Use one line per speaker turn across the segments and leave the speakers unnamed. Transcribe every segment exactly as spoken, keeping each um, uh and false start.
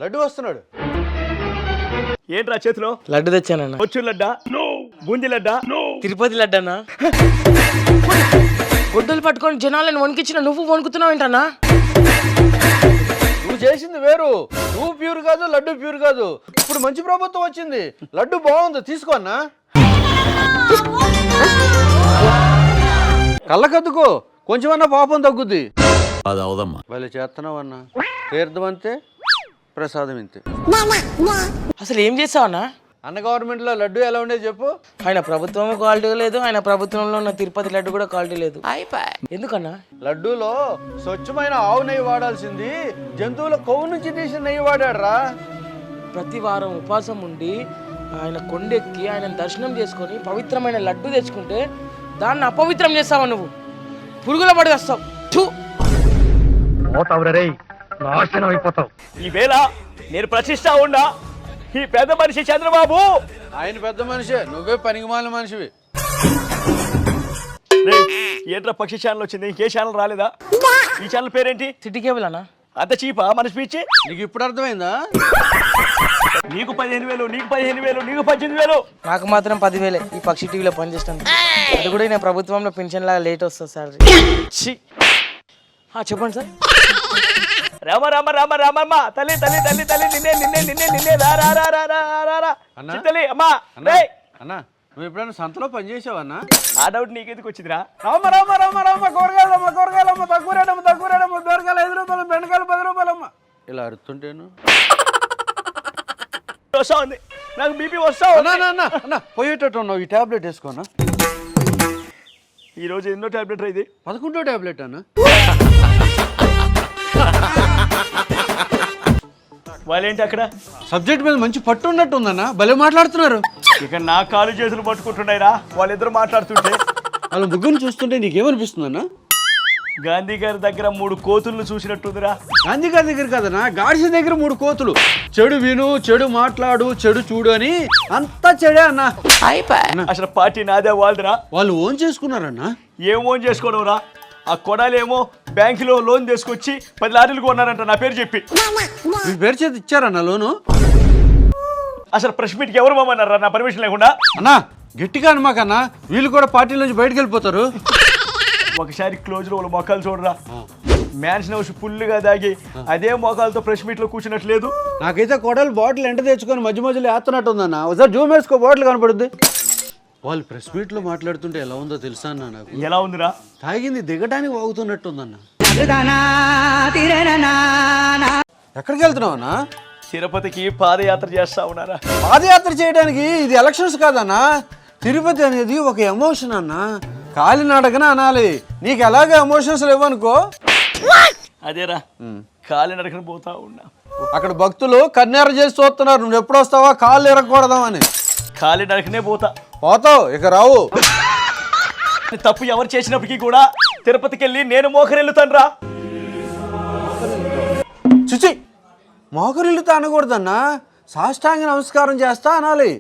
లడ్డు వస్తున్నాడు.
ఏంట్రా చేతిలో?
లడ్డు తెచ్చానన్నా.
వచ్చు లడ్డా, బూందీ లడ్డా,
తిరుపతి లడ్డన్నా. గొడ్డలు పట్టుకొని జనాలను వణికించిన నువ్వు వణుకుతున్నావు ఏంటన్నా?
నువ్వు చేసింది వేరు. నువ్వు ప్యూర్ కాదు, లడ్డు ప్యూర్ కాదు. ఇప్పుడు మంచి ప్రభుత్వం వచ్చింది, లడ్డు బాగుంది, తీసుకో అన్నా. కళ్ళకద్దుకో, కొంచెమన్నా పాపం తగ్గుద్ది.
అది అవదమ్మా.
వాళ్ళు చేస్తున్నావు అన్నా. తీర్థం అంతే, ప్రసాదం ఇంతే.
అసలు ఏం చేస్తావన్నా?
అన్న గవర్నమెంట్లో లడ్డు ఎలా ఉండేది చెప్పు.
ఆయన ప్రభుత్వం క్వాలిటీ లేదు, ఆయన ప్రభుత్వంలో ఉన్న తిరుపతి లడ్డు కూడా క్వాలిటీ లేదు. ఎందుకన్నా?
లడ్డూలో స్వచ్ఛమైన ఆవు నెయ్యి వాడాల్సింది జంతువుల కొవ్వు నుంచి తీసిన నెయ్యి వాడాడు రా.
ప్రతి వారం ఉపవాసం ఉండి ఆయన కొండెక్కి ఆయన దర్శనం చేసుకొని పవిత్రమైన లడ్డు తెచ్చుకుంటే దాన్ని అపవిత్రం చేస్తావా నువ్వు? పురుగుల పడి వస్తావు.
ఈవేళ నేను ప్రతిష్ట ఉన్నా ఈ పెద్ద మనిషి చంద్రబాబు.
ఆయన పెద్ద మనిషే, నువ్వే పనికిమాలిన మనిషివి.
ఏంట్రా పక్షి ఛానల్ వచ్చింది, ఇంకే ఛానల్ రాలేదా? ఈ ఛానల్ పేరేంటి?
సిటీ కేబుల్ అన్నా.
అంత చీపా మన స్పీచ్?
నీకు ఇప్పుడు అర్థమైందా?
నీకు పదిహేను వేలు, నీకు పదిహేను వేలు, నీకు పద్దెనిమిది వేలు,
నాకు మాత్రం పదివేలే. ఈ పక్షి టీవీలో పనిచేస్తాను. అది కూడా నేను ప్రభుత్వంలో పెన్షన్ లాగా లేట్ వస్తుంది సార్. చెప్పండి సార్.
రామ రామ రామ రామమ్మ తల్లి తల్లి తల్లి తల్లి నిన్నే నిన్నే నిన్నే నిన్నే రా రా రా రా రా రా రా
అన్నా
తల్లి అమ్మా.
అన్నా నువ్వు ఎప్పుడైనా సంతలో పని చేసావన్నా?
ఆ డౌట్ నీకెందుకు వచ్చిందిరా?
రామ రామ రామ రామ కూరగాయలమ్మ కూరగాయలమ్మ తక్కువ రేటమ్మ తక్కువ రేటమ్మ దొరకాయలు ఐదు రూపాయలు, బెండకాయలు పది రూపాయలమ్మ. ఇలా అరుతుంటేను
వస్తా ఉంది, నాకు బీపీ వస్తా.
అన్నా పోయేటట్టు ఉన్నావు, ఈ టాబ్లెట్ వేసుకోనా.
ఈ రోజు ఎన్నో టాబ్లెట్ ఇది?
పదకొండో టాబ్లెట్ అన్న.
వాళ్ళేంటి అక్కడ
సబ్జెక్ట్ మీద మంచి పట్టు ఉన్నట్టు ఉందన్న, భలే మాట్లాడుతున్నారు.
ఇక నా కాలు చేతులు పట్టుకుంటున్నాయిరా వాళ్ళిద్దరు మాట్లాడుతుంటే.
వాళ్ళ ముగ్గురు చూస్తుంటే నీకేమనిపిస్తుంది అన్న?
గాంధీ గారి దగ్గర మూడు కోతులను చూసినట్టుందిరా.
గాంధీ గారి దగ్గర కదనా, గాడిస దగ్గర మూడు కోతులు. చెడు విను, చెడు మాట్లాడు, చెడు చూడు అని అంతా చెడే అన్న.
అసలు పార్టీ నాదే వాళ్ళదిరా.
వాళ్ళు ఓన్ చేసుకున్నారన్న.
ఏం ఓన్ చేసుకోవడం రా? ఆ కొడాలేమో బ్యాంకులో లోన్ తీసుకొచ్చి పది లారీలు కొన్నారంట నా పేరు చెప్పి.
మీ పేరు చేతి ఇచ్చారన్న లోను?
అసలు ప్రెస్ మీట్కి ఎవరు మమ్మన్నారా నా పర్మిషన్ లేకుండా?
అన్నా గట్టిగా అనమాకన్నా, వీళ్ళు కూడా పార్టీ నుంచి బయటకు వెళ్ళిపోతారు.
ఒకసారి క్లోజ్ లో వాళ్ళ మొక్కలు చూడరా. మ్యాన్షన్ హౌస్ ఫుల్గా దాగి అదే మొక్కలతో ప్రెస్ మీట్ లో కూర్చున్నట్లేదు.
నాకైతే కొడలు బాటిల్ ఎంట తెచ్చుకొని మధ్య మధ్యలో వేస్తున్నట్టు ఉందన్న. ఒకసారి జూమ్ వేసుకో, బాటిల్ కనపడుద్ది. వాళ్ళు ప్రెస్ మీట్ లో మాట్లాడుతుంటే ఎలా ఉందో తెలుసా అన్న? నాకు
ఎలా ఉందిరా?
తాగింది దిగడానికి వాగుతున్నట్టుందన్న. ఎక్కడికి వెళ్తున్నావు అన్న?
తిరుపతికి పాదయాత్ర చేస్తా ఉన్నారా?
పాదయాత్ర చేయడానికి ఇది ఎలక్షన్స్ కాదన్నా. తిరుపతి అనేది ఒక ఎమోషన్ అన్న, కాలినడకన అనాలి. నీకు ఎలాగ ఎమోషన్స్ లేవనుకో.
అదేరా కాలి నడకన పోతా ఉన్నా.
అక్కడ భక్తులు కన్నెర చేసి చూస్తున్నారు, నువ్వు ఎప్పుడు వస్తావా కాళ్ళు ఎరగకూడదామని.
కాలి నడకనే పోతా.
పోతావు, ఇక రావు.
తప్పు ఎవరు చేసినప్పటికీ కూడా తిరుపతికి వెళ్ళి నేను మోకరెళ్ళుతాను రా.
చుచి, మోకరిల్లుతా అనకూడదన్నా, సాష్టాంగ నమస్కారం చేస్తా అనాలి.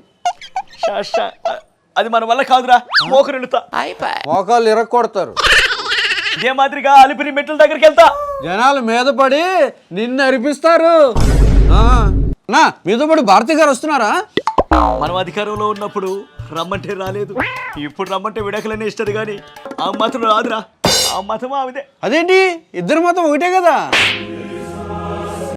అది మన వల్ల కాదురా, మోకరెళ్ళుతా.
మోకాళ్ళు ఇరగొడతారు.
ఇదే మాదిరిగా అలిపిరి మెట్ల దగ్గరికి వెళ్తా.
జనాలు మీద పడి నిన్ను అరిపిస్తారు. నా మీద పడి భారతి గారు వస్తున్నారా?
మనం అధికారంలో ఉన్నప్పుడు రమ్మంటే రాలేదు, ఇప్పుడు రమ్మంటే విడాకులనే ఇస్తుంది కానీ ఆ మాత్రం రాదురా. ఆ మతం ఆమెదే.
అదేంటి, ఇద్దరు మతం ఒకటే కదా.